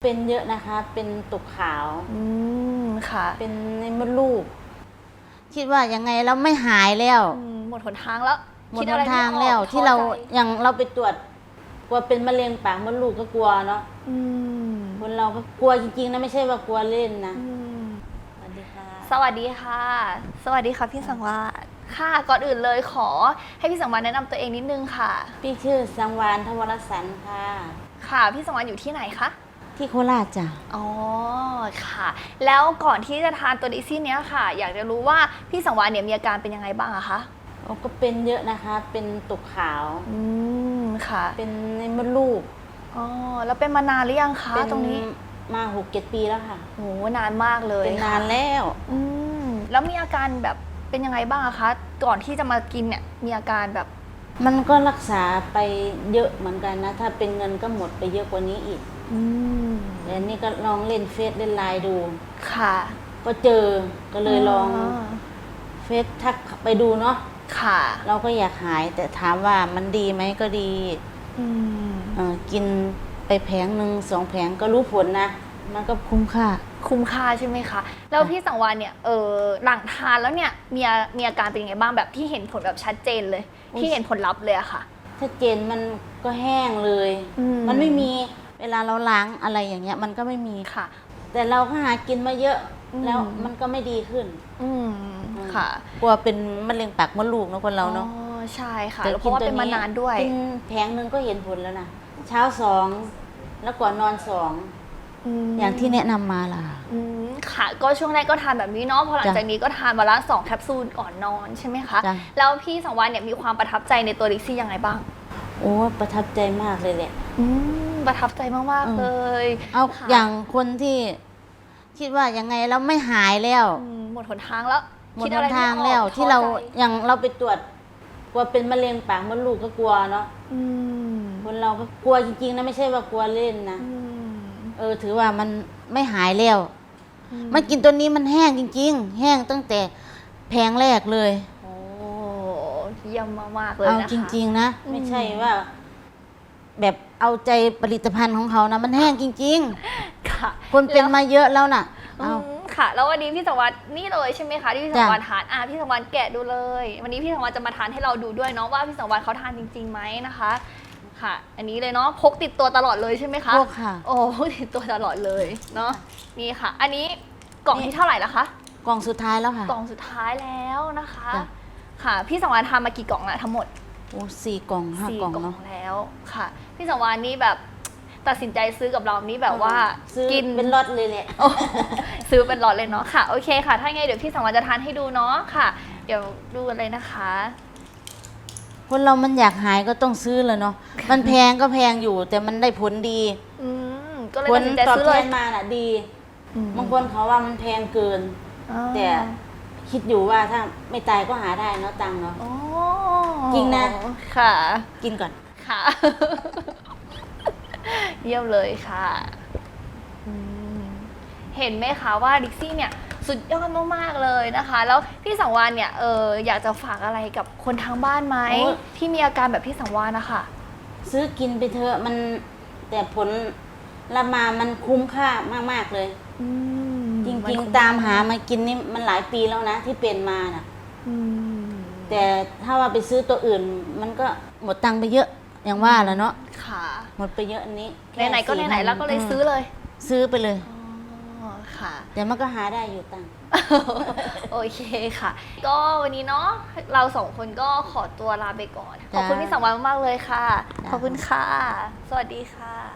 เป็นเยอะนะคะ เป็นตุกขาวค่ะเป็นในมดลูกคิดว่ายังไงเราไม่หายแล้วหมดหนทางแล้วหมดหนทางแล้วที่เราอย่างเราไปตรวจกลัวเป็นมะเร็งปากมดลูกก็กลัวเนาะคนเราก็กลัวจริงๆนะไม่ใช่ว่ากลัวเล่นนะสวัสดีค่ะสวัสดีค่ะสวัสดีค่ะพี่สังวาลค่ะก่อนอื่นเลยขอให้พี่สังวาลแนะนำตัวเองนิดนึงค่ะพี่ชื่อสังวาลทวรสันค่ะค่ะพี่สังวาลอยู่ที่ไหนคะที่โคราชจ้ะอ๋อค่ะแล้วก่อนที่จะทานตัวดิซี่เนี้ยค่ะอยากจะรู้ว่าพี่สังวาลเนี่ยมีอาการเป็นยังไงบ้างอะคะก็เป็นเยอะนะคะเป็นตุกขาวค่ะเป็นในมดลูกอ๋อแล้วเป็นมานานหรือยังคะตรงนี้มา6-7 ปีแล้วค่ะโหนานมากเลยเป็นนานแล้วแล้วมีอาการแบบเป็นยังไงบ้างคะก่อนที่จะมากินเนี่ยมีอาการแบบมันก็รักษาไปเยอะเหมือนกันนะถ้าเป็นเงินก็หมดไปเยอะกว่านี้อีกแต่นี่ก็ลองเล่นเฟซเล่นไลน์ดูค่ะก็เจอก็เลยลองเฟซทักไปดูเนาะค่ะเราก็อยากหายแต่ถามว่ามันดีไหมก็ดีกินไปแผงหนึ่ง2 แผงก็รู้ผลนะมันก็คุ้มค่าใช่ไหมคะแล้วพี่สังวาลเนี่ยหลังทานแล้วเนี่ยมีอาการเป็นยังไงบ้างแบบที่เห็นผลแบบชัดเจนเลยที่เห็นผลลัพธ์เลยอะค่ะชัดเจนมันก็แห้งเลยมันไม่มีเวลาเราล้างอะไรอย่างเงี้ยมันก็ไม่มีค่ะแต่เราก็หากินมาเยอะแล้วมันก็ไม่ดีขึ้นค่ะกลัวเป็นมะเร็งปากมดลูกนะคนเราเนาะใช่ค่ะเพราะว่าเป็นมานานด้วยกินแผงนึงก็เห็นผลแล้วนะเช้า2แล้วก่อนนอน2อย่างที่แนะนำมาล่ะค่ะก็ช่วงแรกก็ทานแบบนี้เนาะพอหลังจากนี้ก็ทานวันละ2 แคปซูลก่อนนอนใช่ไหมคะแล้วพี่สังวาลเนี่ยมีความประทับใจในตัวดิซี่ยังไงบ้างโอ้ประทับใจมากเลยแหละประทับใจมากๆเลยเอาอย่างคนที่คิดว่ายังไงเราไม่หายแล้วหมดหนทางแล้วหมดหนทางแล้วที่เราอย่างเราไปตรวจกลัวเป็นมะเร็งปากมดลูกก็กลัวเนาะคนเราก็กลัวจริงๆนะไม่ใช่ว่ากลัวเล่นนะถือว่ามันไม่หายแล้วมันกินตัวนี้มันแห้งจริงๆแห้งตั้งแต่แผงแรกเลยโอ้เยี่ยมมากๆเลยนะคะเอาจริงๆนะไม่ใช่ว่าแบบเอาใจผลิตภัณฑ์ของเขานะมันแห้งจริงๆค่ะคนเป็นมาเยอะแล้วน่ะค่ะแล้ววันนี้พี่สังวาลนี่เลยใช่ไหมคะที่พี่สังวาลทานพี่สังวาลแกะดูเลยวันนี้พี่สังวาลจะมาทานให้เราดูด้วยเนาะว่าพี่สังวาลเขาทานจริงๆไหมนะคะค่ะอันนี้เลยเนาะพกติดตัวตลอดเลยใช่ไหมคะพกค่ะโอ้พกติดตัวตลอดเลยเนาะนี่ค่ะอันนี้กล่องที่เท่าไหร่แล้วคะกล่องสุดท้ายแล้วค่ะกล่องสุดท้ายแล้วนะคะค่ะพี่สังวาลทำมากี่กล่องแล้วทั้งหมดโอ้4 กล่อง5 กล่องเนาะแล้วค่ะพี่สังวาลนี่แบบตัดสินใจซื้อกับเรานี่แบบว่ากินเป็นล็อตเลยแหละซื้อเป็นล็อตเลยเนาะค่ะโอเคค่ะถ้าไงเดี๋ยวพี่สังวาลจะทานให้ดูเนาะค่ะ เดี๋ยวดูกันเลยนะคะคนเรามันอยากหายก็ต้องซื้อเลยเนาะมันแพงก็แพงอยู่แต่มันได้ผลดีก็เลยตัดสินใจซื้อเลยผลตอบแทนมาน่ะดีบางคนเขาว่ามันแพงเกินแต่คิดอยู่ว่าถ้าไม่ตายก็หาได้เนาะตังเนาะจริงนะค่ะกินก่อนค่ะเยี่ยมเลยค่ะเห็นไหมคะว่าดิกซี่เนี่ยสุดยอดมากๆเลยนะคะแล้วพี่สังวาลเนี่ยอยากจะฝากอะไรกับคนทางบ้านไหมที่มีอาการแบบพี่สังวาลนะคะซื้อกินไปเถอะมันแต่ผลละมามันคุ้มค่ามากๆเลยจริงๆตามหามากินนี่มันหลายปีแล้วนะที่เป็นมาน่ะแต่ถ้าว่าไปซื้อตัวอื่นมันก็หมดตังค์ไปเยอะอย่างว่าแล้วเนาะค่ะหมดไปเยอะอันนี้ไหนๆก็ไหนๆแล้วก็เลยซื้อเลยซื้อไปเลยค่ะแต่มันก็หาได้อยู่ตังค์โอเคค่ะก็วันนี้เนาะเรา2 คนก็ขอตัวลาไปก่อนขอบคุณพี่สังวาลมากเลยค่ะขอบคุณค่ะสวัสดีค่ะ